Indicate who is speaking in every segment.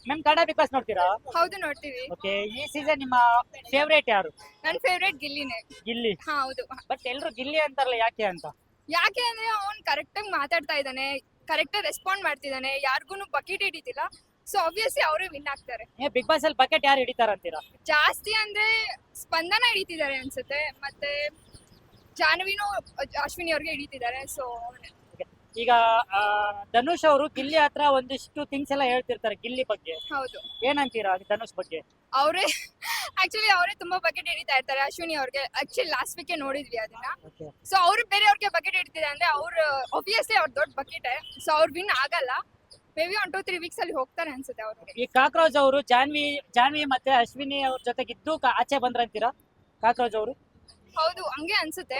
Speaker 1: Ma'am Kannada big boss ನೋಡ್ತೀರಾ?
Speaker 2: ಹೌದು ನೋಡ್ತೀವಿ.
Speaker 1: ಓಕೆ, ಈ ಸೀಸನ್ ನಿಮ್ಮ ಫೇವರೇಟ್ ಯಾರು?
Speaker 2: ನನ್ನ ಫೇವ್ರೇಟ್ ಗಿಲ್ಲಿನೇ.
Speaker 1: ಗಿಲ್ಲಿ.
Speaker 2: ಹೌದು.
Speaker 1: ಬಟ್ ಎಲ್ರು ಗಿಲ್ಲಿ ಅಂತಾರಲ್ಲ, ಯಾಕೆ ಅಂತ?
Speaker 2: ಯಾಕೆ ಅಂದ್ರೆ ಅವ್ನ್ ಕರೆಕ್ಟ್ ಆಗಿ ಮಾತಾಡ್ತಾ ಇದ್ದಾನೆ, ಕರೆಕ್ಟ್ ಆಗಿ ರೆಸ್ಪಾಂಡ್ ಮಾಡ್ತಿದ್ದಾನೆ, ಯಾರಿಗೂ ಬಕೆಟ್ ಹಿಡಿತಿಲ್ಲ. ಸೊ ಆಬ್ವಿಯಸ್ಲಿ ಅವರೇ ವಿನ್ ಆಗ್ತಾರೆ.
Speaker 1: ಬಿಗ್ ಬಾಸ್ ಅಲ್ಲಿ ಬಕೆಟ್ ಯಾರು ಹಿಡಿತಾರಂತೀರಾ?
Speaker 2: ಜಾಸ್ತಿ ಅಂದ್ರೆ ಸ್ಪಂದನ ಹಿಡಿತಿದ್ದಾರೆ ಅನ್ಸುತ್ತೆ, ಮತ್ತೆ ಜಾನ್ವಿನೂ ಅಶ್ವಿನಿ ಅವ್ರಿಗೆ ಹಿಡಿತಿದ್ದಾರೆ. ಸೊ
Speaker 1: ಈಗ ಧನುಷ್ ಅವರು ಗಿಲ್ಲಿ ಹತ್ರ ಒಂದಿಷ್ಟು ಥಿಂಗ್ಸ್ ಎಲ್ಲ ಹೇಳ್ತಿರ್ತಾರೆ ಗಿಲ್ಲಿ ಬಗ್ಗೆ.
Speaker 2: ಹೌದು,
Speaker 1: ಏನಂತೀರಾ ಧನುಷ್ ಬಗ್ಗೆ?
Speaker 2: ಅವರೇ ಆಕ್ಚುಲಿ ಅವರೇ ತುಂಬಾ ಬಕೆಟ್ ಹಿಡಿತಾ ಇರ್ತಾರೆ ಅಶ್ವಿನಿ ಅವ್ರಿಗೆ. ಆಕ್ಚುಲಿ ಲಾಸ್ಟ್ ವೀಕ್ ನೋಡಿದ್ವಿ ಅದನ್ನ. ಸೊ ಅವ್ರು ಬೇರೆಯವ್ರಿಗೆ ಬಕೆಟ್ ಹಿಡಿತಿದೆ ಅಂದ್ರೆ ಅವ್ರು ಆಬ್ವಿಯಸ್ಲಿ ಅವ್ರ ದೊಡ್ಡ ಬಕೆಟ್. ಸೊ ಅವ್ರು ವಿನ್ ಆಗಲ್ಲ. ಮೇ ಬಿ 1-2-3 ವೀಕ್ಸ್ ಅಲ್ಲಿ ಹೋಗ್ತಾರೆ ಅನ್ಸುತ್ತೆ ಅವ್ರಿಗೆ.
Speaker 1: ಈ ಕಾಕ್ರೋಚ್ ಅವರು ಜಾನ್ವಿ ಮತ್ತೆ ಅಶ್ವಿನಿ ಅವ್ರ ಜೊತೆಗಿದ್ದು ಆಚೆ ಬಂದ್ರಂತೀರಾ ಕಾಕ್ರೋಚ್ ಅವರು?
Speaker 2: ಹೌದು, ಹಂಗೆ ಅನ್ಸುತ್ತೆ.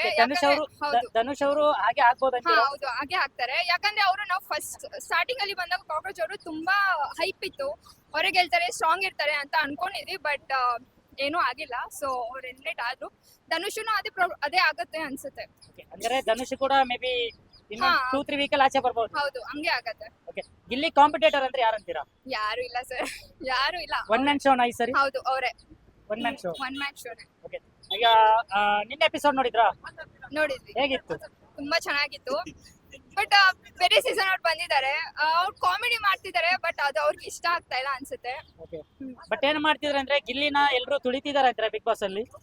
Speaker 1: ಧನುಷ್ ಅವರು ಹಾಗೆ ಆಗ್ಬೋದಂತೀರಾ?
Speaker 2: ಹೌದು, ಹಾಗೆ ಆಗ್ತಾರೆ. ಯಾಕಂದ್ರೆ ಅವರು ನಾವು ಫಸ್ಟ್ ಸ್ಟಾರ್ಟಿಂಗ್ ಅಲ್ಲಿ ಬಂದಾಗ ಕಾಕ್ರೋಚ್ ಅವರು ತುಂಬಾ ಹೈಪ್ ಇತ್ತು, ಹೊರಗೆ ಗೆಲ್ತಾರೆ, ಸ್ಟ್ರಾಂಗ್ ಇರ್ತಾರೆ ಅಂತ ಅನ್ಕೊಂಡಿದ್ವಿ. ಬಟ್ ಏನೂ ಆಗಿಲ್ಲ. ಸೊ ಅವ್ರು ಎಲಿಮಿನೇಟ್ ಆದ್ರು. ಧನುಷನು ಅದೇ ಆಗುತ್ತೆ ಅನ್ಸುತ್ತೆ.
Speaker 1: ಅಂದ್ರೆ ಧನುಷ್ ಕೂಡ ಮೇ ಬಿ 2-3 ವೀಕ್ ಅಲ್ಲಿ ಆಚೆ ಬರ್ಬೋದು.
Speaker 2: ಹೌದು, ಹಂಗೆ ಆಗತ್ತೆ.
Speaker 1: ಓಕೆ, ಗಿಲ್ಲಿ ಕಾಂಪಿಟೇಟರ್ ಅಂದ್ರೆ ಯಾರಂತೀರಾ?
Speaker 2: ಯಾರು ಇಲ್ಲ ಸರ್, ಯಾರು ಇಲ್ಲ.
Speaker 1: ಒನ್ ಮ್ಯಾನ್ ಶೋನಾ ಈ ಸರಿ?
Speaker 2: ಹೌದು, ಅವರೇ
Speaker 1: one man show.
Speaker 2: One man ಶೋನೇ.
Speaker 1: ಓಕೆ, ಈಗ ನಿನ್ನೆ ಎಪಿಸೋಡ್ ನೋಡಿದ್ರಾ?
Speaker 2: ನೋಡಿದ್ವಿ,
Speaker 1: ಹೇಗಿತ್ತು?
Speaker 2: ತುಂಬಾ ಚೆನ್ನಾಗಿತ್ತು. ಬಟ್ ಬೇರೆ ಸೀಸನ್ ಅವ್ರು ಬಂದಿದ್ದಾರೆ, ಅವ್ರು ಕಾಮಿಡಿ ಮಾಡ್ತಿದ್ದಾರೆ. ಬಟ್ ಅದು ಅವ್ರಿಗೆ ಇಷ್ಟ ಆಗ್ತಾ ಇಲ್ಲ ಅನ್ಸುತ್ತೆ.
Speaker 1: ಬಟ್ ಏನ್ ಮಾಡ್ತಿದ್ರೆ ಅಂದ್ರೆ ಗಿಲ್ಲಿನ ಎಲ್ರು ತುಳಿತಿದಾರೆ ಅಂತಾರೆ ಬಿಗ್ ಬಾಸ್ ಅಲ್ಲಿ.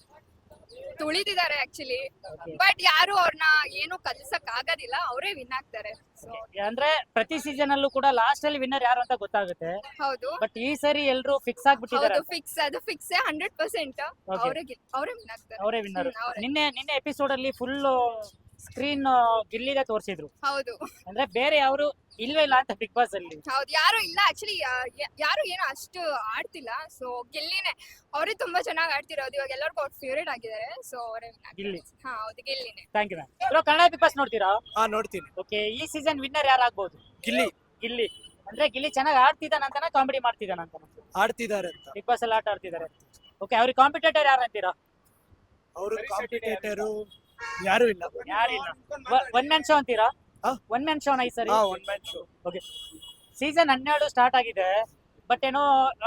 Speaker 2: ತುಳಿತಿದ್ದಾರೆ ಆಕ್ಚುಲಿ. ಬಟ್ ಯಾರು ಅವ್ರನ್ನ ಏನು ಕಲಿಸಕ್ ಆಗೋದಿಲ್ಲ, ಅವರೇ ವಿನ್ ಆಗ್ತಾರೆ.
Speaker 1: ಅಂದ್ರೆ ಪ್ರತಿ ಸೀಸನ್ ಅಲ್ಲೂ ಕೂಡ ಲಾಸ್ಟ್ ಅಲ್ಲಿ ವಿನ್ನರ್ ಯಾರು ಅಂತ ಗೊತ್ತಾಗುತ್ತೆ.
Speaker 2: ಹೌದು,
Speaker 1: ಬಟ್ ಈ ಸರಿ ಎಲ್ರು ಫಿಕ್ಸ್ ಆಗ್ಬಿಟ್ಟಿದ್ದಾರೆ.
Speaker 2: ಫಿಕ್ಸ್, ಅದು ಫಿಕ್ಸ್ 100%. ಅವರೇ ವಿನ್ ಆಗ್ತಾರೆ.
Speaker 1: ಅವರೇ ವಿನ್ನರ್. ನಿನ್ನೆ ಎಪಿಸೋಡ್ ಅಲ್ಲಿ ಫುಲ್ ಸ್ಕ್ರೀನ್ ಗಿಲ್ಲಿದೆ ತೋರಿಸಿದ್ರು.
Speaker 2: ಹೌದು,
Speaker 1: ಅಂದ್ರೆ ಬೇರೆ ಯಾರು ಇಲ್ವೇ ಇಲ್ಲ ಅಂತ ಬಿಗ್ ಬಾಸ್ ಅಲ್ಲಿ.
Speaker 2: ಹೌದು, ಯಾರು ಇಲ್ಲ ಆಕ್ಚುಲಿ. ಯಾರು ಏನು ಅಷ್ಟು ಆಡ್ತಿಲ್ಲ. ಸೊ ಗಿಲ್ಲಿನೇ, ಅವರೇ ತುಂಬಾ ಚೆನ್ನಾಗಿ ಆಡ್ತಿರೋದು. ಇವಾಗ ಎಲ್ಲರಿಗೂ ಅವ್ರ ಫೇವರೇಟ್ ಆಗಿದ್ದಾರೆ. ಸೊ ಅವರೇ
Speaker 1: ಗಿಲ್ಲಿ.
Speaker 2: ಹೌದು, ಗಿಲ್ಲಿನೇ.
Speaker 1: Thank you ma'am. Bro, Kannada big boss ನೋಡ್ತೀರಾ?
Speaker 3: ನೋಡ್ತೀನಿ.
Speaker 1: ಓಕೆ, ಈ ಸೀಸನ್ ವಿನ್ನರ್ ಯಾರಾಗ್ಬೋದು? ಗಿಲ್ಲಿ ಅಂದ್ರೆ ಗಿಲ್ಲಿ ಚೆನ್ನಾಗಿ ಆಡ್ತಿದ್ದಾನಂತಾನ ಕಾಮಿಡಿ ಮಾಡ್ತಿದ್ದಾನಂತ?
Speaker 3: ಆಡ್ತಿದ್ದಾರೆ ಅಂತ.
Speaker 1: ಬಿಗ್ ಬಾಸ್ ಅಲ್ಲಿ ಆಟ ಆಡ್ತಿದ್ದಾರೆ. ಓಕೆ, ಅವ್ರಿಗೆ ಕಾಂಪಿಟೇಟರ್ ಯಾರು ಅಂತೀರಾ?
Speaker 3: ಅವರು ಕಾಂಪಿಟೇಟರು ಯಾರು ಇಲ್ಲ.
Speaker 1: ಯಾರಿಲ್ಲ. ಒನ್ ಮ್ಯಾನ್ ಶೋ ಅಂತೀರಾ? ಒನ್ ಮ್ಯಾನ್ ಶೋನ ಈ ಸರಿ?
Speaker 3: One man show.
Speaker 1: Okay, season 12 start ಆಗಿದೆ. ಬಟ್ ಏನೋ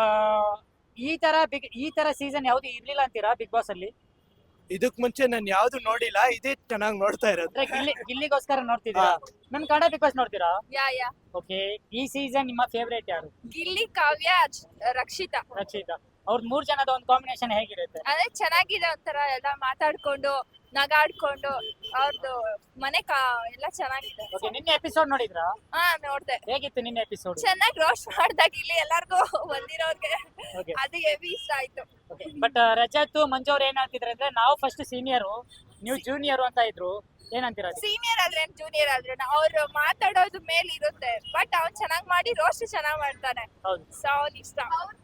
Speaker 1: ಈ ತರ ಸೀಸನ್ ಯಾವ್ದು ಇರ್ಲಿಲ್ಲ ಅಂತೀರಾ ಬಿಗ್ ಬಾಸ್ ಅಲ್ಲಿ?
Speaker 3: ಇದಕ್ ಮುಂಚೆ ನಾನು ಯಾವ್ದು ನೋಡಿಲ್ಲ, ಇದೇ ಚೆನ್ನಾಗಿ ನೋಡ್ತಾ ಇರೋದು.
Speaker 1: ಅಂದ್ರೆ ಗಿಲ್ಲಿಗೋಸ್ಕರ ನೋಡ್ತಿದ್ದೀರಾ? ನಮ್ ಕನ್ನಡ ಬಿಗ್ ಬಾಸ್ ನೋಡ್ತೀರಾ?
Speaker 2: ಯಾ.
Speaker 1: ಓಕೆ, ಈ ಸೀಸನ್ ನಿಮ್ಮ ಫೇವರೇಟ್ ಯಾರು?
Speaker 2: ಗಿಲ್ಲಿ, ಕಾವ್ಯ, ರಕ್ಷಿತಾ.
Speaker 1: ಅವ್ರ 3 ಜನದ ಒಂದು ಕಾಂಬಿನೇಷನ್ ಹೇಗಿರುತ್ತೆ?
Speaker 2: ಅದೇ ಚೆನ್ನಾಗಿದೆ. ಒಂಥರ ಎಲ್ಲ ಮಾತಾಡ್ಕೊಂಡು ನಗಾಡ್ಕೊಂಡು ಅವ್ರದ್ದು ಮನೆ ಎಲ್ಲ ಚೆನ್ನಾಗಿದೆ.
Speaker 1: ಓಕೆ, ನಿನ್ನೆ ಎಪಿಸೋಡ್ ನೋಡಿದ್ರಾ?
Speaker 2: ನೋಡ್ದೆ.
Speaker 1: ಹೇಗಿತ್ತು ನಿನ್ನೆ ಎಪಿಸೋಡ್?
Speaker 2: ಚೆನ್ನಾಗಿ ರೋಸ್ಟ್ ಮಾಡ್ದಾಗ ಇಲ್ಲಿ ಎಲ್ಲಾರ್ಗು ಬಂದಿರೋರ್ಗೆ ಅದು ಹೆವಿ ಇಷ್ಟ ಆಯ್ತು.
Speaker 1: ಬಟ್ ರಜತ್ ಮಂಜು ಅವ್ರು ಏನ್ ಹೇಳ್ತಿದ್ರೆ ಅಂದ್ರೆ ನಾವು ಫಸ್ಟ್ ಸೀನಿಯರ್, ನೀವು ಜೂನಿಯರ್ ಅಂತ ಇದ್ರು. ಏನಂತೀರಾ?
Speaker 2: ಸೀನಿಯರ್ ಆದ್ರೆ ಜೂನಿಯರ್ ಆದ್ರೆ ಅವ್ರು ಮಾತಾಡೋದು ಮೇಲೆ ಇರುತ್ತೆ. ಬಟ್ ಅವ್ನ್ ಚೆನ್ನಾಗ್ ಮಾಡಿ ರೋಸ್ಟ್ ಚೆನ್ನಾಗ್ ಮಾಡ್ತಾನೆ. ಸೊ ಅವ್ನ್ ಇಷ್ಟ.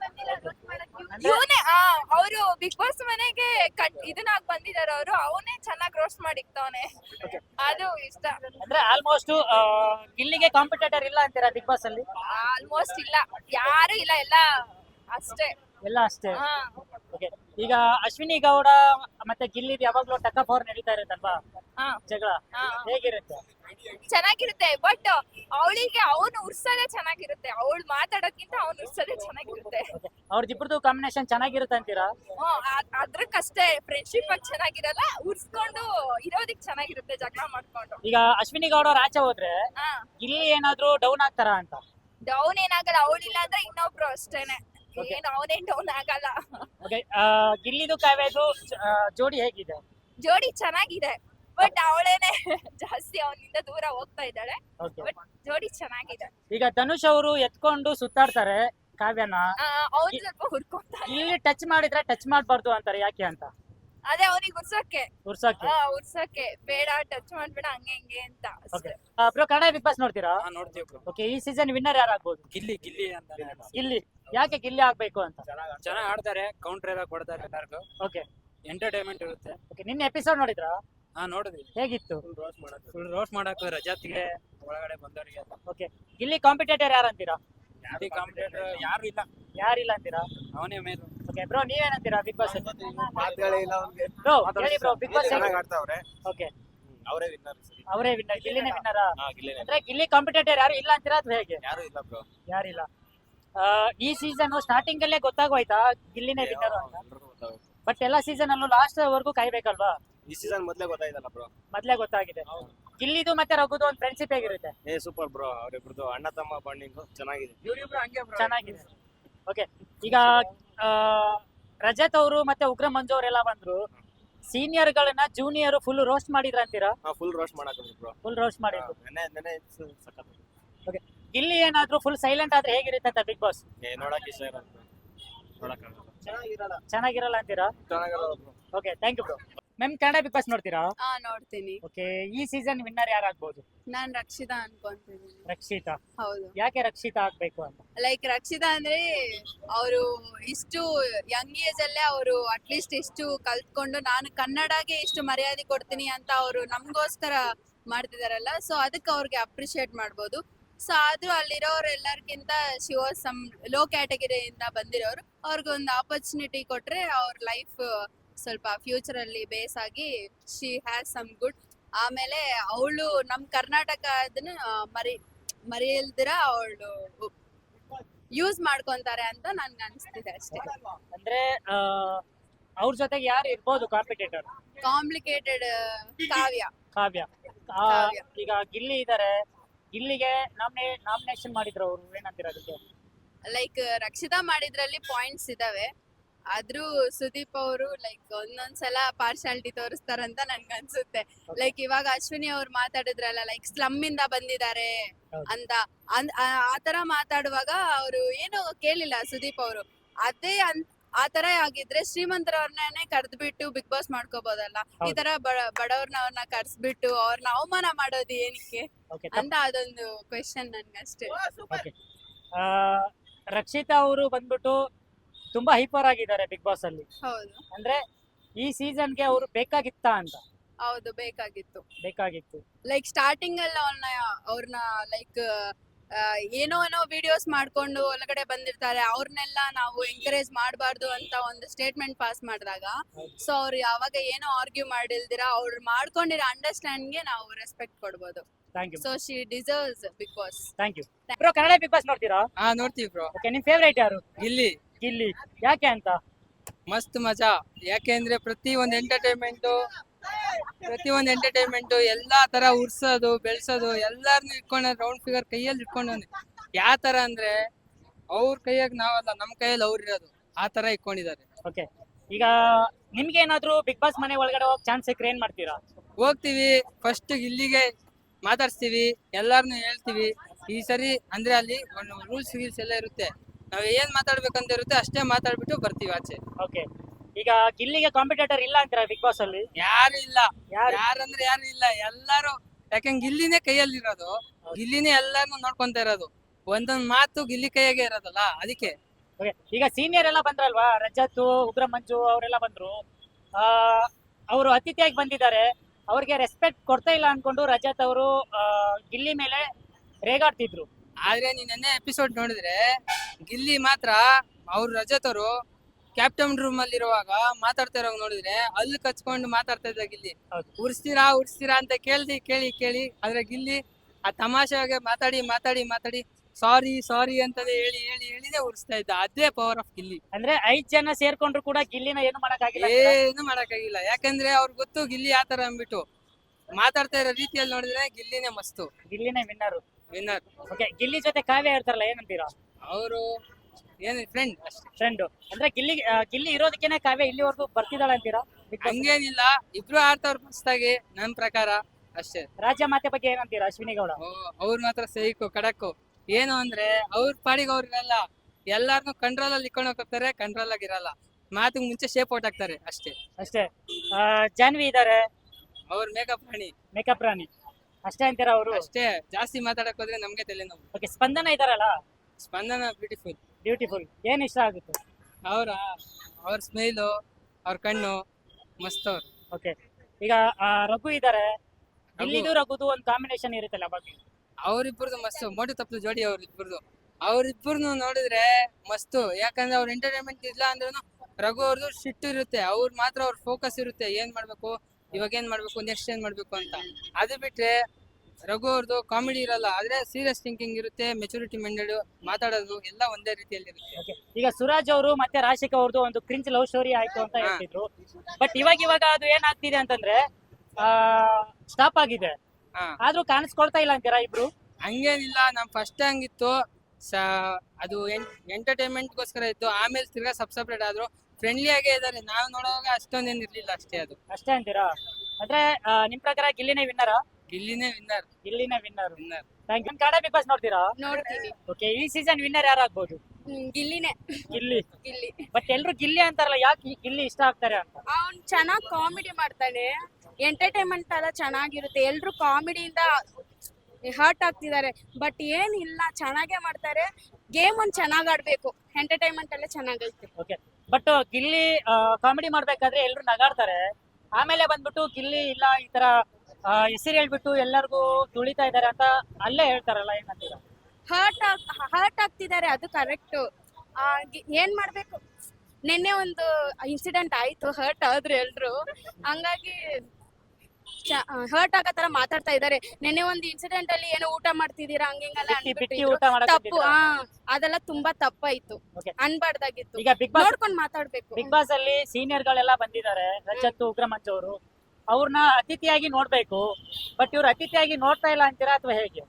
Speaker 2: ಇವನೇ ಅವರು ಬಿಗ್ ಬಾಸ್ ಮನೆಗೆ ಇದನ್ನಾಗಿ ಬಂದಿದ್ದಾರೆ. ಅವರು ಅವನೇ ಚೆನ್ನಾಗಿ ರೋಸ್ಟ್ ಮಾಡಿಕ್ತವನೆ, ಅದು ಇಷ್ಟ.
Speaker 1: ಅಂದ್ರೆ ಆಲ್ಮೋಸ್ಟ್ ಗಿಲ್ಲಿಗೆ ಕಾಂಪಿಟೇಟರ್ ಇಲ್ಲ ಅಂತೀರಾ ಬಿಗ್ ಬಾಸ್ ಅಲ್ಲಿ?
Speaker 2: ಆಲ್ಮೋಸ್ಟ್ ಇಲ್ಲ, ಯಾರು ಇಲ್ಲ, ಎಲ್ಲ ಅಷ್ಟೇ.
Speaker 1: ಓಕೆ, ಈಗ ಅಶ್ವಿನಿ ಗೌಡ ಮತ್ತೆ ಗಿಲ್ಲಿದ್ ಯಾವಾಗ್ಲೂ ಟಕ್ ಆಫ್ ನಡೀತಾ ಇರುತ್ತಲ್ವಾ ಜಗಳ, ಹೇಗಿರುತ್ತೆ?
Speaker 2: ಚೆನ್ನಾಗಿರುತ್ತೆ. ಬಟ್ ಅವಳಿಗೆ ಅವನು ಉರ್ಸೋದೇ ಚೆನ್ನಾಗಿರುತ್ತೆ. ಅವಳು ಮಾತಾಡೋದ್ಕಿಂತ ಅವ್ನು ಉರ್ಸೋದೇ ಚೆನ್ನಾಗಿರುತ್ತೆ.
Speaker 1: ಅವ್ರದಿಬ್ರದ್ದು ಕಾಂಬಿನೇಷನ್ ಚೆನ್ನಾಗಿರುತ್ತೆ ಅಂತೀರಾ?
Speaker 2: ಅದ್ರಕ್ಕಷ್ಟೇ. ಫ್ರೆಂಡ್ಶಿಪ್ ಆಗಿ ಚೆನ್ನಾಗಿರಲ್ಲ, ಉರ್ಸ್ಕೊಂಡು ಇರೋದಿಕ್ ಚೆನ್ನಾಗಿರುತ್ತೆ ಜಗಳ ಮಾಡ್ಕೊಂಡು.
Speaker 1: ಈಗ ಅಶ್ವಿನಿ ಗೌಡ ಅವ್ರ ಆಚೆ ಹೋದ್ರೆ ಗಿಲ್ಲಿ ಏನಾದ್ರು ಡೌನ್ ಆಗ್ತಾರ ಅಂತ?
Speaker 2: ಡೌನ್ ಏನಾಗಲ್ಲ, ಅವಳಿಲ್ಲ ಅಂದ್ರೆ ಇನ್ನೊಬ್ರು ಅಷ್ಟೇನೆ. ಏನ್ ಅವನೇನ್ ಡೌನ್ ಆಗಲ್ಲ.
Speaker 1: ಗಿಲ್ಲಿದು ಕಾವ್ಯದು ಜೋಡಿ ಹೇಗಿದೆ?
Speaker 2: ಜೋಡಿ ಚೆನ್ನಾಗಿದೆ. ಬಟ್ ಅವಳೇನೆ ಜಾಸ್ತಿ ಅವನಿಂದ ದೂರ ಹೋಗ್ತಾ ಇದ್ದಾಳೆ. ಬಟ್ ಜೋಡಿ ಚೆನ್ನಾಗಿದೆ.
Speaker 1: ಈಗ ಧನುಷ್ ಅವರು ಎತ್ಕೊಂಡು ಸುತ್ತಾಡ್ತಾರೆ ಕಾವ್ಯನ,
Speaker 2: ಅವ್ನು ಸ್ವಲ್ಪ ಹುರ್ಕೊಂತಾರೆ.
Speaker 1: ಇಲ್ಲಿ ಟಚ್ ಮಾಡಿದ್ರೆ ಟಚ್ ಮಾಡ್ಬಾರ್ದು ಅಂತಾರೆ, ಯಾಕೆ ಅಂತ?
Speaker 2: ಅದೇ ಅವನಿಗೆ ಉರ್ಸಕ್ಕೆ ಬೇಡ, ಟಚ್ ಮಾಡ್ಬೇಡ, ಹಂಗೆ ಹಿಂಗೆ ಅಂತ.
Speaker 1: ಬ್ರೋ, ಕನ್ನಡ ಬಿಗ್ ಬಾಸ್ ನೋಡ್ತೀರಾ?
Speaker 3: ನೋಡ್ತೀವಿ.
Speaker 1: ಓಕೆ, ಈ ಸೀಸನ್ ವಿನ್ನರ್ ಯಾರಾಗ್ಬೋದು?
Speaker 3: ಗಿಲ್ಲಿ ಅಂತ.
Speaker 1: ಗಿಲ್ಲಿ ಯಾಕೆ ಗಿಲ್ಲಿ ಆಗ್ಬೇಕು ಅಂತ?
Speaker 3: ಚೆನ್ನಾಗಿ ಆಡ್ತಾರೆ, ಕೌಂಟರ್ ಎಲ್ಲ ಕೊಡ್ತಾರೆ ಎಲ್ಲರಿಗೂ.
Speaker 1: ಓಕೆ,
Speaker 3: ಎಂಟರ್ಟೈನ್ಮೆಂಟ್ ಇರುತ್ತೆ.
Speaker 1: ಓಕೆ, ನಿನ್ನೆ ಎಪಿಸೋಡ್ ನೋಡಿದ್ರಾ?
Speaker 3: ನೋಡಿದ್ವಿ.
Speaker 1: ಹೇಗಿತ್ತು?
Speaker 3: ಫುಲ್ ರೋಸ್ಟ್ ಮಾಡಕ್ ರಜತ್ಗೆ ಒಳಗಡೆ ಬಂದವರಿಗೆ.
Speaker 1: ಓಕೆ, ಗಿಲ್ಲಿ ಕಾಂಪಿಟೇಟರ್ ಯಾರು ಅಂತೀರಾ?
Speaker 3: ಕಾಂಪಿಟೇಟರ್
Speaker 1: ಯಾರಿಲ್ಲ ಅಂತೀರಾ?
Speaker 3: ಅವನೇ ಮೇಲು.
Speaker 1: ಓಕೆ ಬ್ರೋ, ನೀವೇನಂತೀರಾ ಬಿಗ್ ಬಾಸ್?
Speaker 3: ಮಾತುಗಳೇ ಇಲ್ಲ ಅವ್ನಿಗೆ.
Speaker 1: ಬ್ರೋ ಹೇಳಿ ಬ್ರೋ, ಬಿಗ್ ಬಾಸ್
Speaker 3: ಚೆನ್ನಾಗಿ ಆಡ್ತಾವ್ರೆ.
Speaker 1: ಓಕೆ,
Speaker 3: ಅವರೇ ವಿನ್ನರ್.
Speaker 1: ಗಿಲ್ಲಿನೇ ವಿನ್ನರಾ? ಅಂದ್ರೆ ಗಿಲ್ಲಿ ಕಾಂಪಿಟೇಟರ್ ಯಾರು ಇಲ್ಲ ಅಂತೀರಾ ಅಥವಾ ಹೇಗೆ?
Speaker 3: ಯಾರು ಇಲ್ಲ ಬ್ರೋ.
Speaker 1: ಯಾರಿಲ್ಲ. ಈ ಸೀಸನ್ ಸ್ಟಾರ್ಟಿಂಗ್ ಅಲ್ಲೇ ಗೊತ್ತಾಗೋಯ್ತಾ ಗಿಲ್ಲಿನೇ ವಿನ್ನರ್ ಅಂತ? ಬಟ್ ಎಲ್ಲ ಸೀಸನ್ ಅಲ್ಲೂ ಲಾಸ್ಟ್ ವರ್ಗೂ ಕಾಯ್ಬೇಕಲ್ವಾ?
Speaker 4: ಈ ಸೀಸನ್ ಮೊದ್ಲೇ ಗೊತ್ತಾಯ್ತಲ್ಲ ಬ್ರೋ.
Speaker 1: ಮೊದ್ಲೇ ಗೊತ್ತಾಗಿದೆ. ಗಿಲ್ಲಿದು ಮತ್ತೆ ರಘುದು ಒಂದು ಫ್ರೆಂಡ್ಶಿಪ್ ಹೇಗಿರುತ್ತೆ?
Speaker 4: ಸೂಪರ್ ಬ್ರೋ, ಅವ್ರಿಬ್ರದ್ದು ಅಣ್ಣ ತಮ್ಮ ಬಾಂಡಿಂಗ್ ಚೆನ್ನಾಗಿದೆ.
Speaker 1: ಚೆನ್ನಾಗಿದೆ. ಓಕೆ, ಈಗ ರಜತ್ ಅವರು ಮತ್ತೆ ಉಗ್ರ ಮಂಜು ಅವರೆಲ್ಲ ಬಂದ್ರು. ಸೀನಿಯರ್ ಗಳನ್ನ ಜೂನಿಯರ್ ಫುಲ್ ರೋಸ್ಟ್ ಮಾಡಿದ್ರ ಅಂತೀರಾ?
Speaker 4: ಫುಲ್ ರೋಸ್ಟ್ ಮಾಡಾಕ ಬ್ರೋ.
Speaker 1: ಫುಲ್ ರೋಸ್ಟ್ ಮಾಡಿದ್ರು.
Speaker 4: ನೆನೆ ಸಖತ್.
Speaker 1: ಓಕೆ, ಗಿಲ್ಲಿ ಏನಾದ್ರು ಫುಲ್ ಸೈಲೆಂಟ್ ಆದ್ರೆ ಹೇಗಿರುತ್ತೆ ಅಂತ ಬಿಗ್ ಬಾಸ್?
Speaker 4: ನೋಡಕ್ ಇಷ್ಟ ಇರಲ್ಲ, ನೋಡಕ್
Speaker 1: ಚೆನ್ನಾಗಿರಲ್ಲ ಅಂತೀರಾ? Okay, thank you bro. Ma'am, Kannada big boss ನೋಡ್ತೀರಾ?
Speaker 2: ನೋಡ್ತೀನಿ.
Speaker 1: ಓಕೆ, ಈ ಸೀಸನ್ ವಿನ್ನರ್ ಯಾರಾಗ್ಬೋದು?
Speaker 2: ನಾನ್ ರಕ್ಷಿತಾ ಅನ್ಕೊಂತೀನಿ.
Speaker 1: ರಕ್ಷಿತಾ?
Speaker 2: ಹೌದು.
Speaker 1: ಯಾಕೆ ರಕ್ಷಿತಾ ಆಗ್ಬೇಕು ಅಂತ?
Speaker 2: ಲೈಕ್ ರಕ್ಷಿತಾ ಅಂದ್ರೆ ಅವರು ಇಷ್ಟು ಯಂಗ್ ಏಜ್ ಅಲ್ಲೇ ಅವರು ಅಟ್ಲೀಸ್ಟ್ ಇಷ್ಟು ಕಲ್ತ್ಕೊಂಡು ನಾನು ಕನ್ನಡಗೆ ಇಷ್ಟು ಮರ್ಯಾದೆ ಕೊಡ್ತೀನಿ ಅಂತ ಅವರು ನಮ್ಗೋಸ್ಕರ ಮಾಡ್ತಿದಾರಲ್ಲ, ಸೊ ಅದಕ್ಕೆ ಅವ್ರಿಗೆ ಅಪ್ರಿಶಿಯೇಟ್ ಮಾಡ್ಬೋದು. ಸೊ ಆದ್ರೂ ಅಲ್ಲಿರೋರು ಎಲ್ಲರಿಗಿಂತ ಶಿ ವಾಸ್ ಸಮ್ ಲೋ ಕ್ಯಾಟಗರಿಯಿಂದ ಬಂದಿರೋರು, ಅವ್ರಿಗೊಂದು ಆಪರ್ಚುನಿಟಿ ಕೊಟ್ರೆ ಅವ್ರ ಲೈಫ್ ಸ್ವಲ್ಪ ಫ್ಯೂಚರ್ ಅಲ್ಲಿ ಬೇಸ್ ಆಗಿ ಶಿ ಹ್ಯಾಸ್ ಸಮ್ ಗುಡ್. ಆಮೇಲೆ ಅವಳು ನಮ್ ಕರ್ನಾಟಕ ಅದನ್ನ ಮರೆಯಲ್ದಿರ ಅವಳು ಯೂಸ್ ಮಾಡ್ಕೊಂತಾರೆ ಅಂತ ನನ್ಗೆ ಅನ್ಸ್ತಿದೆ ಅಷ್ಟೇ.
Speaker 1: ಅಂದ್ರೆ ಅವ್ರ ಜೊತೆಗೆ ಯಾರು ಇರ್ಬೋದು ಕಾಂಪಿಟೇಟರ್?
Speaker 2: ಕಾಂಪ್ಲಿಕೇಟೆಡ್ ಕಾವ್ಯ.
Speaker 1: ಕಾವ್ಯ.
Speaker 2: ಕಾವ್ಯ.
Speaker 1: ಈಗ ಗಿಲ್ಲಿ ಇದಾರೆ, ಗಿಲ್ಲಿಗೆ ನಾಮಿನೇಷನ್ ಮಾಡಿದ್ರು ಅವರು, ಏನಂತೀರ ಅದಕ್ಕೆ?
Speaker 2: ಲೈಕ್ ರಕ್ಷಿತಾ ಮಾಡಿದ್ರಲ್ಲಿ ಪಾಯಿಂಟ್ಸ್ ಇದಾವೆ, ಆದ್ರೂ ಸುದೀಪ್ ಅವರು ಲೈಕ್ ಒಂದೊಂದ್ಸಲ ಪಾರ್ಶಾಲಿಟಿ ತೋರಿಸ್ತಾರಂತ ನನ್ಗೆ ಅನ್ಸುತ್ತೆ. ಲೈಕ್ ಇವಾಗ ಅಶ್ವಿನಿ ಅವ್ರು ಮಾತಾಡಿದ್ರಲ್ಲ, ಲೈಕ್ ಸ್ಲಮ್ ಇಂದ ಬಂದಿದ್ದಾರೆ ಅಂತ, ಆತರ ಮಾತಾಡುವಾಗ ಅವರು ಏನು ಕೇಳಿಲ್ಲ ಸುದೀಪ್ ಅವರು. ಅದೇ ಆತರ ಆಗಿದ್ರೆ ಶ್ರೀಮಂತರವ್ರನ್ನೇ ಕರೆದ್ಬಿಟ್ಟು ಬಿಗ್ ಬಾಸ್ ಮಾಡ್ಕೋಬಹುದಲ್ಲ. ಈ ತರ ಬಡವ್ರನ್ನ ಕರ್ಸ್ಬಿಟ್ಟು ಅವ್ರನ್ನ ಅವಮಾನ ಮಾಡೋದು ಏನಕ್ಕೆ ಅಂತ ಅದೊಂದು ಕ್ವೆಶನ್ ನನ್ಗಷ್ಟೇ.
Speaker 1: ರಕ್ಷಿತಾ ಅವರು ಬಂದ್ಬಿಟ್ಟು ತುಂಬಾ ಹೈಪರ್ ಆಗಿದ್ದಾರೆ ಬಿಗ್ ಬಾಸ್ ಅಲ್ಲಿ.
Speaker 2: ಹೌದು.
Speaker 1: ಅಂದ್ರೆ ಈ ಸೀಸನ್ಗೆ ಅವರು ಬೇಕಾಗಿತ್ತಾ ಅಂತ?
Speaker 2: ಹೌದು, ಬೇಕಾಗಿತ್ತು. ಲೈಕ್ ಸ್ಟಾರ್ಟಿಂಗ್ ಅಲ್ಲಿ ಅವ್ರನ್ನ ಲೈಕ್ ಏನೋ ವಿಡಿಯೋಸ್ ಮಾಡ್ಕೊಂಡು ಒಳಗಡೆ ಬಂದಿರ್ತಾರೆ, ಅವ್ರನ್ನೆಲ್ಲ ನಾವು ಎಂಕರೇಜ್ ಮಾಡಬಾರ್ದು ಅಂತ ಒಂದು ಸ್ಟೇಟ್ಮೆಂಟ್ ಪಾಸ್ ಮಾಡಿದಾಗ, ಸೊ ಅವ್ರು ಯಾವಾಗ ಏನೋ ಆರ್ಗ್ಯೂ ಮಾಡಿಲ್ದಿರ ಅವ್ರು ಮಾಡ್ಕೊಂಡಿರೋ ಅಂಡರ್ಸ್ಟ್ಯಾಂಡ್ಗೆ ನಾವು ರೆಸ್ಪೆಕ್ಟ್ ಕೊಡ್ಬೋದು. So she deserves big boss.
Speaker 1: Thank you bro. Kannada big boss ನೋಡ್ತೀರಾ?
Speaker 5: ನೋಡ್ತೀವಿ ಬ್ರೋ.
Speaker 1: ಓಕೆ, ನಿಮ್ ಫೇವರೇಟ್ ಯಾರು?
Speaker 5: ಗಿಲ್ಲಿ.
Speaker 1: ಯಾಕೆ ಅಂತ?
Speaker 5: ಮಸ್ತ್ ಮಜಾ. ಯಾಕೆಂದ್ರೆ ಪ್ರತಿ ಒಂದು ಎಂಟರ್ಟೈನ್ಮೆಂಟ್ ಎಲ್ಲಾ ತರ ಉರ್ಸೋದು ಬೆಳ್ಸೋದು ಎಲ್ಲಾರನ್ನು ಇಟ್ಕೊಂಡ ರೌಂಡ್ ಫಿಗರ್ ಕೈಯಲ್ಲಿ ಇಟ್ಕೊಂಡವನೆ. ಯಾವ ತರ ಅಂದ್ರೆ ಅವ್ರ ಕೈಯಾಗ ನಾವಲ್ಲ, ನಮ್ ಕೈಯಲ್ಲಿ ಅವ್ರು ಇರೋದು, ಆ ತರ ಇಟ್ಕೊಂಡಿದ್ದಾರೆ.
Speaker 1: ಓಕೆ, ಈಗ ನಿಮ್ಗೆ ಏನಾದ್ರು ಬಿಗ್ ಬಾಸ್ ಮನೆ ಒಳಗಡೆ ಹೋಗಕ್ ಚಾನ್ಸ್ ಸಿಕ್ಕರೆ ಏನ್ ಮಾಡ್ತೀರಾ?
Speaker 5: ಹೋಗ್ತೀವಿ, ಫಸ್ಟ್ ಇಲ್ಲಿಗೆ ಮಾತಾಡ್ಸ್ತೀವಿ, ಎಲ್ಲಾರನ್ನು ಹೇಳ್ತೀವಿ. ಈ ಸರಿ ಅಂದ್ರೆ ಅಲ್ಲಿ ಒಂದು ರೂಲ್ಸ್ ಗೀಲ್ಸ್ ಎಲ್ಲ ಇರುತ್ತೆ, ನಾವ್ ಏನ್ ಮಾತಾಡ್ಬೇಕಂತ ಇರುತ್ತೆ ಅಷ್ಟೇ ಮಾತಾಡ್ಬಿಟ್ಟು ಬರ್ತೀವಿ ಆಚೆ.
Speaker 1: ಓಕೆ, ಈಗ ಗಿಲ್ಲಿಗೆ ಕಾಂಪಿಟೇಟರ್ ಇಲ್ಲ ಅಂತೀರಾ ಬಿಗ್ ಬಾಸ್ ಅಲ್ಲಿ?
Speaker 5: ಯಾರು ಇಲ್ಲ, ಯಾರಂದ್ರೆ ಯಾರು ಇಲ್ಲ, ಎಲ್ಲಾರು. ಯಾಕಂದ್ರೆ ಗಿಲ್ಲಿನೇ ಕೈಯಲ್ಲಿ ಇರೋದು, ಗಿಲ್ಲಿನೇ ಎಲ್ಲಾರನ್ನು ನೋಡ್ಕೊಂತ ಇರೋದು, ಒಂದೊಂದ್ ಮಾತು ಗಿಲ್ಲಿ ಕೈಯಾಗೆ ಇರೋದಲ್ಲ, ಅದಕ್ಕೆ.
Speaker 1: ಈಗ ಸೀನಿಯರ್ ಎಲ್ಲ ಬಂದ್ರಲ್ವಾ, ರಜತ್, ಉಗ್ರ ಮಂಜು ಅವರೆಲ್ಲ ಬಂದ್ರು, ಅವರು ಅತಿಥಿಯಾಗಿ ಬಂದಿದ್ದಾರೆ, ಅವ್ರಿಗೆ ರೆಸ್ಪೆಕ್ಟ್ ಕೊಡ್ತಾ ಇಲ್ಲ ಅನ್ಕೊಂಡು ರಜತ್ ಅವರು ಗಿಲ್ಲಿ ಮೇಲೆ ರೇಗಾಡ್ತಿದ್ರು.
Speaker 5: ಆದ್ರೆ ನೀನ್ ನೆನ್ನೆ ಎಪಿಸೋಡ್ ನೋಡಿದ್ರೆ ಗಿಲ್ಲಿ ಮಾತ್ರ ಅವ್ರು ರಜತ್ ಅವರು ಕ್ಯಾಪ್ಟನ್ ರೂಮ್ ಅಲ್ಲಿ ಇರುವಾಗ ಮಾತಾಡ್ತಾ ಇರೋ ನೋಡಿದ್ರೆ ಅಲ್ಲಿ ಕಚ್ಕೊಂಡು ಮಾತಾಡ್ತಾ ಇದ್ದ ಗಿಲ್ಲಿ. ಉರ್ಸ್ತೀರಾ ಅಂತ ಕೇಳಿ ಆದ್ರೆ ಗಿಲ್ಲಿ ಆ ತಮಾಷೆಗೆ ಮಾತಾಡಿ ಸಾರಿ ಅಂತದೇ ಹೇಳಿನೇ ಉರ್ಸ್ತಾ ಇದ್ದ. ಅದೇ ಪವರ್ ಆಫ್ ಗಿಲ್ಲಿ.
Speaker 1: ಅಂದ್ರೆ 5 ಜನ ಸೇರ್ಕೊಂಡ್ರು ಕೂಡ ಗಿಲ್ಲಿನ ಏನು ಮಾಡಕ್ಕಾಗಿಲ್ಲ.
Speaker 5: ಯಾಕಂದ್ರೆ ಅವ್ರಿಗೆ ಗೊತ್ತು ಗಿಲ್ಲಿ ಆತರ ಅಂದ್ಬಿಟ್ಟು. ಮಾತಾಡ್ತಾ ಇರೋ ರೀತಿಯಲ್ಲಿ ನೋಡಿದ್ರೆ ಗಿಲ್ಲಿನೇ ಮಸ್ತು,
Speaker 1: ಗಿಲ್ಲಿನೇ ವಿನ್ನರ್. ಓಕೆ, ಗಿಲ್ಲಿ ಜೊತೆ ಕಾವ್ಯ ಇರ್ತಾರಲ್ಲ, ಏನಂತೀರಾ?
Speaker 5: ಅವರು ಏನು
Speaker 1: ಫ್ರೆಂಡ್ ಅಂದ್ರೆ ಗಿಲ್ಲಿ ಇರೋದಕ್ಕೇನೆ ಕಾವ್ಯ ಇಲ್ಲಿವರೆಗೂ ಬರ್ತಿದ್ದಾಳೆ ಅಂತೀರಾ?
Speaker 5: ಹಂಗೇನಿಲ್ಲ, ಇಬ್ರು ಆಡ್ತಾವ್ರ ಮಸ್ತಾಗಿ ನನ್ ಪ್ರಕಾರ ಅಷ್ಟೇ.
Speaker 1: ರಾಜ್ಯ ಮಾತೆ ಬಗ್ಗೆ ಏನಂತೀರಾ ಅಶ್ವಿನಿ ಗೌಡ?
Speaker 5: ಅವ್ರ ಮಾತ್ರ ಸೈಕು ಕಡಕ್ಕು. ಏನು ಅಂದ್ರೆ ಅವ್ರ ಪಾಡಿಗೆ ಅವ್ರು ಇರಲ್ಲ, ಎಲ್ಲಾರ್ನು ಕಂಟ್ರೋಲ್ ಅಲ್ಲಿ ಇಟ್ಕೊಂಡು ಹೋಗ್ತಾರೆ, ಕಂಟ್ರೋಲ್ ಆಗಿರಲ್ಲ, ಮಾತಿಗೆ ಮುಂಚೆ ಶೇಪ್ ಔಟ್ ಆಗ್ತಾರೆ ಅಷ್ಟೇ.
Speaker 1: ಜಾನ್ವಿ ಇದಾರೆ,
Speaker 5: ಅವ್ರ ಮೇಕಪ್ ರಾಣಿ
Speaker 1: ಅಷ್ಟೇ ಅಂತೀರಾ? ಅವರು
Speaker 5: ಅಷ್ಟೇ, ಜಾಸ್ತಿ ಮಾತಾಡಕ್ ಹೋದ್ರೆ ನಮ್ಗೆ ತಲೆನೋವು.
Speaker 1: ಓಕೆ, ಸ್ಪಂದನ ಇದಾರಲ್ಲ?
Speaker 5: ಸ್ಪಂದನ
Speaker 1: ಬ್ಯೂಟಿಫುಲ್. ಏನ್ ಇಷ್ಟ ಆಗುತ್ತೆ?
Speaker 5: ಅವ್ರ ಸ್ಮೈಲು, ಅವ್ರ ಕಣ್ಣು ಮಸ್ತ್ ಅವ್ರು.
Speaker 1: ಓಕೆ, ಈಗ ರಘು ಇದಾರೆ, ಇಲ್ಲಿದು ರಘುದು ಒಂದು ಕಾಂಬಿನೇಷನ್ ಇರುತ್ತಲ್ಲ ಬಗ್ಗೆ,
Speaker 5: ಅವ್ರಿಬ್ರದ್ದು ಮಸ್ತ್. ಮೋಟು ತಪ್ಪಲು ಜೋಡಿ ಅವ್ರಿಬ್ರು ನೋಡಿದ್ರೆ ಮಸ್ತು. ಯಾಕಂದ್ರೆ ಅವ್ರ ಎಂಟರ್ಟೈನ್ಮೆಂಟ್ ಇಲ್ಲ ಅಂದ್ರೂ ರಘು ಅವ್ರದ್ದು ಶಿಟ್ಟು ಇರುತ್ತೆ, ಅವ್ರ ಮಾತ್ರ ಅವ್ರ ಫೋಕಸ್ ಇರುತ್ತೆ, ಏನ್ ಮಾಡ್ಬೇಕು, ಇವಾಗ ಏನ್ ಮಾಡ್ಬೇಕು, ನೆಕ್ಸ್ಟ್ ಏನ್ ಮಾಡ್ಬೇಕು ಅಂತ. ಅದು ಬಿಟ್ರೆ ರಘು ಅವ್ರದ್ದು ಕಾಮಿಡಿ ಇರಲ್ಲ ಆದ್ರೆ ಸೀರಿಯಸ್ ಥಿಂಕಿಂಗ್ ಇರುತ್ತೆ, ಮೆಚುರಿಟಿ ಮೈಂಡೆಡ್, ಮಾತಾಡೋದು ಎಲ್ಲ ಒಂದೇ ರೀತಿಯಲ್ಲಿ ಇರುತ್ತೆ.
Speaker 1: Okay. ಈಗ ಸುರಾಜ್ ಅವರು ಮತ್ತೆ ರಾಶಿಕಾ ಅವ್ರದ್ದು ಒಂದು ಕ್ರಿಂಚ್ ಲವ್ ಸ್ಟೋರಿ ಆಯ್ತು ಅಂತ ಹೇಳ್ತಿದ್ರು. ಬಟ್ ಇವಾಗ ಅದು ಏನಾಗ್ತಿದೆ ಅಂತಂದ್ರೆ ಸ್ಟಾಪ್ ಆಗಿದೆ.
Speaker 5: ಹಾ
Speaker 1: ಆದ್ರೂ ಕಾಣಿಸ್ಕೊಳ್ತಾ ಇಲ್ಲ ಅಂತೀರಾ ಇಬ್ರು?
Speaker 5: ಹಂಗೇನಿಲ್ಲ, ನಮ್ ಫಸ್ಟ್ ಹಂಗಿತ್ತು, ಅದು ಎಂಟರ್ಟೈನ್ಮೆಂಟ್ ಗೋಸ್ಕರ ಇತ್ತು, ಆಮೇಲೆ ತಿರ್ಗಾ ಸಪ್ರೇಟ್ ಆದ್ರು, ಫ್ರೆಂಡ್ಲಿ ಆಗೇ ಇದಾರೆ. ನಾವು ನೋಡುವಾಗ ಅಷ್ಟೊಂದೇನು ಇರ್ಲಿಲ್ಲ ಅಷ್ಟೇ. ಅದು
Speaker 1: ಅಷ್ಟೇ ಅಂತೀರಾ? ಅಂದ್ರೆ ನಿಮ್ ಪ್ರಕಾರ ಗಿಲ್ಲಿನೇ ವಿನ್ನರಾ?
Speaker 5: ಗಿಲ್ಲಿನೇ ವಿನ್ನರ್.
Speaker 1: ಗಿಲ್ಲಿನೇ winner.
Speaker 5: Winner
Speaker 1: thank you. Kannada big boss ನೋಡ್ತೀರಾ?
Speaker 2: ನೋಡ್ತೀನಿ.
Speaker 1: ಓಕೆ, ಈ ಸೀಸನ್ ವಿನ್ನರ್ ಯಾರಾಗ್ಬೋದು?
Speaker 2: ಗಿಲ್ಲಿನೇ.
Speaker 1: ಗಿಲ್ಲಿ.
Speaker 2: ಗಿಲ್ಲಿ
Speaker 1: ಬಟ್ ಎಲ್ರು ಗಿಲ್ಲಿ ಅಂತಾರಲ್ಲ, ಯಾಕೆ ಗಿಲ್ಲಿ ಇಷ್ಟ ಆಗ್ತಾರೆ ಅಂತ?
Speaker 2: ಅವ್ನ್ ಚೆನ್ನಾಗ್ ಕಾಮಿಡಿ ಮಾಡ್ತಾನೆ, ಎಂಟರ್ಟೈನ್ಮೆಂಟ್ ಎಲ್ಲ ಚೆನ್ನಾಗಿರುತ್ತೆ, ಎಲ್ರು ಕಾಮಿಡಿಯಿಂದ ಹರ್ಟ್ ಆಗ್ತಿದ್ದಾರೆ. ಬಟ್ ಏನಿಲ್ಲ, ಚೆನ್ನಾಗೇ ಮಾಡ್ತಾರೆ. ಗೇಮ್ ಒಂದ್ ಚೆನ್ನಾಗ್ ಆಡ್ಬೇಕು, ಎಂಟರ್ಟೈನ್ಮೆಂಟ್ ಎಲ್ಲ ಚೆನ್ನಾಗೈತೆ.
Speaker 1: ಓಕೆ, ಬಟ್ ಗಿಲ್ಲಿ ಕಾಮಿಡಿ ಮಾಡ್ಬೇಕಾದ್ರೆ ಎಲ್ರು ನಗಾಡ್ತಾರೆ, ಆಮೇಲೆ ಬಂದ್ಬಿಟ್ಟು ಗಿಲ್ಲಿ ಇಲ್ಲ ಈ ತರ ಹೆಸರು ಹೇಳ್ಬಿಟ್ಟು ಎಲ್ಲರಿಗೂ ತುಳಿತಾ ಇದಾರೆ ಅಂತ ಅಲ್ಲೇ ಹೇಳ್ತಾರಲ್ಲ, ಏನಂತೀರ?
Speaker 2: ಹರ್ಟ್ ಆಗ್ತಿದ್ದಾರೆ, ಅದು ಕರೆಕ್ಟ್. ಏನ್ ಮಾಡ್ಬೇಕು, ನಿನ್ನೆ ಒಂದು ಇನ್ಸಿಡೆಂಟ್ ಆಯ್ತು, ಹರ್ಟ್ ಆದ್ರು ಎಲ್ರು, ಹಂಗಾಗಿ ಹರ್ಟ್ ಆಗೋ ತರ ಮಾತಾಡ್ತಾ ಇದಾರೆ. ನಿನ್ನೆ ಒಂದು ಇನ್ಸಿಡೆಂಟ್ ಅಲ್ಲಿ ಏನೋ ಊಟ ಮಾಡ್ತಿದೀರಾ ಹಂಗೆಲ್ಲ
Speaker 1: ಬಿಟ್ಟಿ ಊಟ ಮಾಡಕ್
Speaker 2: ತಪ್ಪು. ಅದೆಲ್ಲ ತುಂಬಾ ತಪ್ಪಾಯ್ತು,
Speaker 1: Okay.
Speaker 2: ಅನ್ಬಾರ್ದಾಗಿತ್ತು.
Speaker 1: ಈಗ ಬಿಗ್ ಬಾಸ್
Speaker 2: ನೋಡ್ಕೊಂಡ್ ಮಾತಾಡ್ಬೇಕು.
Speaker 1: ಬಿಗ್ ಬಾಸ್ ಅಲ್ಲಿ ಸೀನಿಯರ್ ಗಳೆಲ್ಲ ಬಂದಿದ್ದಾರೆ, ರಜತ್, ಉಗ್ರಮಂಚ್ ಅವರು. ಅವ್ರನ್ನ ಅತಿಥಿಯಾಗಿ ನೋಡ್ಬೇಕು, ಬಟ್ ಇವ್ರು ಅತಿಥಿಯಾಗಿ ನೋಡ್ತಾ ಇಲ್ಲ ಅಂತೀರಾ ಅಥವಾ ಹೇಗೆ?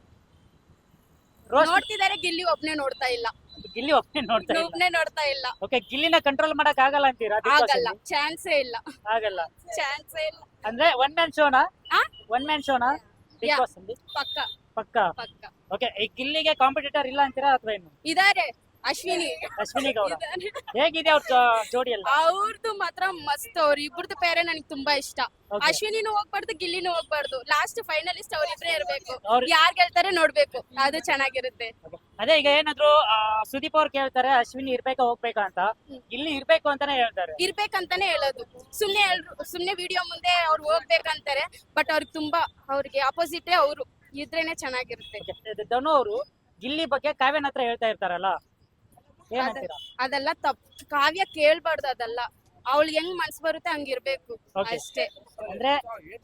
Speaker 1: ರೋಸ್ಟ್
Speaker 2: ನೋಡ್ತಿದಾರೆ, ಗಿಲ್ಲಿ ಒಬ್ನೇ ನೋಡ್ತಾ ಇಲ್ಲ.
Speaker 1: ಗಿಲ್ಲಿ ಒಬ್ಬನೇ ನೋಡ್ತಾ ಇಲ್ಲ.
Speaker 2: ಒಬ್ನೇ ನೋಡ್ತಾ ಇಲ್ಲ.
Speaker 1: ಓಕೆ, ಗಿಲ್ಲಿನ ಕಂಟ್ರೋಲ್ ಮಾಡಕ್ ಆಗಲ್ಲ ಅಂತೀರಾ Big Boss
Speaker 2: ಆಗಲ್ಲ,
Speaker 1: ಅಲ್ಲಿ?
Speaker 2: ಚಾನ್ಸೇ ಇಲ್ಲ,
Speaker 1: ಆಗಲ್ಲ
Speaker 2: ಚಾನ್ಸೇ ಇಲ್ಲ.
Speaker 1: ಅಂದ್ರೆ ಒನ್ ಮ್ಯಾನ್ ಶೋನಾ?
Speaker 2: ಆ?
Speaker 1: ಒನ್ ಮ್ಯಾನ್ ಶೋನಾ ಬಿಗ್
Speaker 2: Yeah.
Speaker 1: ಬಾಸ್ ಅಲ್ಲಿ?
Speaker 2: ಪಕ್ಕ
Speaker 1: ಪಕ್ಕ.
Speaker 2: ಪಕ್ಕ
Speaker 1: ಓಕೆ, ಈ ಗಿಲ್ಲಿಗೆ ಕಾಂಪಿಟೇಟರ್ ಇಲ್ಲ ಅಂತೀರಾ ಅಥವಾ ಏನು?
Speaker 2: ಇದಾರೆ. ಅಶ್ವಿನಿ
Speaker 1: ಅಶ್ವಿನಿ ಗೌಡ
Speaker 2: ಇದಾರೆ.
Speaker 1: ಹೇಗಿದೆ ಅವ್ರ ಜೋಡಿ ಎಲ್ಲ?
Speaker 2: ಅವ್ರದ್ದು ಮಾತ್ರ ಮಸ್ತ್. ಅವ್ರ ಇಬ್ಬರದು ಪೇರೆ ನನಗೆ ತುಂಬಾ ಇಷ್ಟ.
Speaker 1: Okay.
Speaker 2: ಅಶ್ವಿನಿನೂ ಹೋಗ್ಬಾರ್ದು, ಗಿಲ್ಲಿನೂ ಹೋಗ್ಬಾರ್ದು. ಲಾಸ್ಟ್ ಫೈನಲಿಸ್ಟ್ ಅವ್ರಿಬ್ರೇ ಇರ್ಬೇಕು.
Speaker 1: ಅವ್ರು-
Speaker 2: ಯಾರ್ ಗೆಲ್ತಾರೆ ನೋಡ್ಬೇಕು, ಅದು ಚೆನ್ನಾಗಿರುತ್ತೆ.
Speaker 1: ಅದೇ ಈಗ ಏನಾದ್ರು ಸುದೀಪ್ ಅವ್ರು ಕೇಳ್ತಾರೆ ಅಶ್ವಿನಿ ಇರ್ಬೇಕಾ ಹೋಗ್ಬೇಕಾ ಅಂತ, ಗಿಲ್ಲಿ ಇರ್ಬೇಕು ಅಂತಾನೆ ಹೇಳ್ತಾರೆ.
Speaker 2: ಇರ್ಬೇಕಂತಾನೆ ಹೇಳೋದು. ಸುಮ್ನೆ ವಿಡಿಯೋ ಮುಂದೆ ಅವ್ರು ಹೋಗ್ಬೇಕಂತಾರೆ, ಬಟ್ ಅವ್ರಿಗೆ ತುಂಬಾ, ಅವ್ರಿಗೆ ಅಪೋಸಿಟೇ ಅವರು ಇದ್ರೇನೆ ಚೆನ್ನಾಗಿರುತ್ತೆ.
Speaker 1: Okay, ಧನು ಅವರು ಗಿಲ್ಲಿ ಬಗ್ಗೆ ಕಾವ್ಯನ ಹತ್ರ ಹೇಳ್ತಾ ಇರ್ತಾರಲ್ಲ, ಏನಂತೀರಾ?
Speaker 2: ಅದೆಲ್ಲ ತಪ್ಪು. ಕಾವ್ಯ ಕೇಳ್ಬಾರ್ದು ಅದೆಲ್ಲ. ಅವಳು ಹೆಂಗ್ ಮನ್ಸ್ ಬರುತ್ತೆ ಹಂಗಿರ್ಬೇಕು
Speaker 1: Okay.
Speaker 2: ಅಷ್ಟೇ.
Speaker 1: ಅಂದ್ರೆ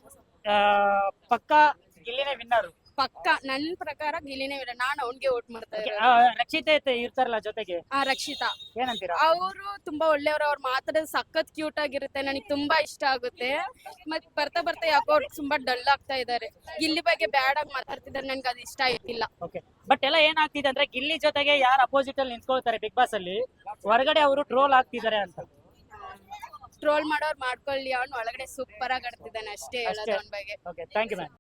Speaker 1: ಪಕ್ಕ ಗಿಲ್ಲಿನೇ ವಿನ್ನರು.
Speaker 2: ಪಕ್ಕ ನನ್ ಪ್ರಕಾರ ಗಿಲ್ಲಿನೇ ವಿನ. ನಾನ್ ಅವ್ನ್ಗೆ ವೋಟ್ ಮಾಡ್ತಾ ಇರೋದು.
Speaker 1: ರಕ್ಷಿತೆ ಇರ್ತಾರಲ್ಲ ಜೊತೆಗೆ,
Speaker 2: ರಕ್ಷಿತಾ,
Speaker 1: ಏನಂತೀರಾ?
Speaker 2: ಅವರು ತುಂಬಾ ಒಳ್ಳೆಯವರು. ಅವ್ರು ಮಾತಾಡೋದು ಸಖತ್ ಕ್ಯೂಟ್ ಆಗಿರುತ್ತೆ, ನನಗೆ ತುಂಬಾ ಇಷ್ಟ ಆಗುತ್ತೆ. ಮತ್ ಬರ್ತಾ ಯಾಕೋ ಅವ್ರು ತುಂಬಾ ಡಲ್ ಆಗ್ತಾ ಇದಾರೆ. ಗಿಲ್ಲಿ ಬಗ್ಗೆ ಬ್ಯಾಡ್ ಆಗಿ ಮಾತಾಡ್ತಿದ್ದಾರೆ, ನನ್ಗೆ ಅದು ಇಷ್ಟ ಆಯ್ತಿಲ್ಲ.
Speaker 1: ಓಕೆ, ಬಟ್ ಎಲ್ಲ ಏನಾಗ್ತಿದೆ ಅಂದ್ರೆ ಗಿಲ್ಲಿ ಜೊತೆಗೆ ಯಾರು ಅಪೋಸಿಟ್ ಅಲ್ಲಿ ನಿಂತ್ಕೊಳ್ತಾರೆ ಬಿಗ್ ಬಾಸ್ ಅಲ್ಲಿ, ಹೊರಗಡೆ ಅವರು ಟ್ರೋಲ್ ಆಗ್ತಿದ್ದಾರೆ ಅಂತ.
Speaker 2: ಟ್ರೋಲ್ ಮಾಡೋರು ಮಾಡ್ಕೊಳ್ಳಿ, ಅವ್ನು ಒಳಗಡೆ ಸೂಪರ್ ಆಗಿ ಆಡ್ತಿದ್ದಾನೆ, ಅಷ್ಟೇ ಹೇಳೋದು ಅವ್ನ ಬಗ್ಗೆ.
Speaker 1: Okay, thank you ma'am.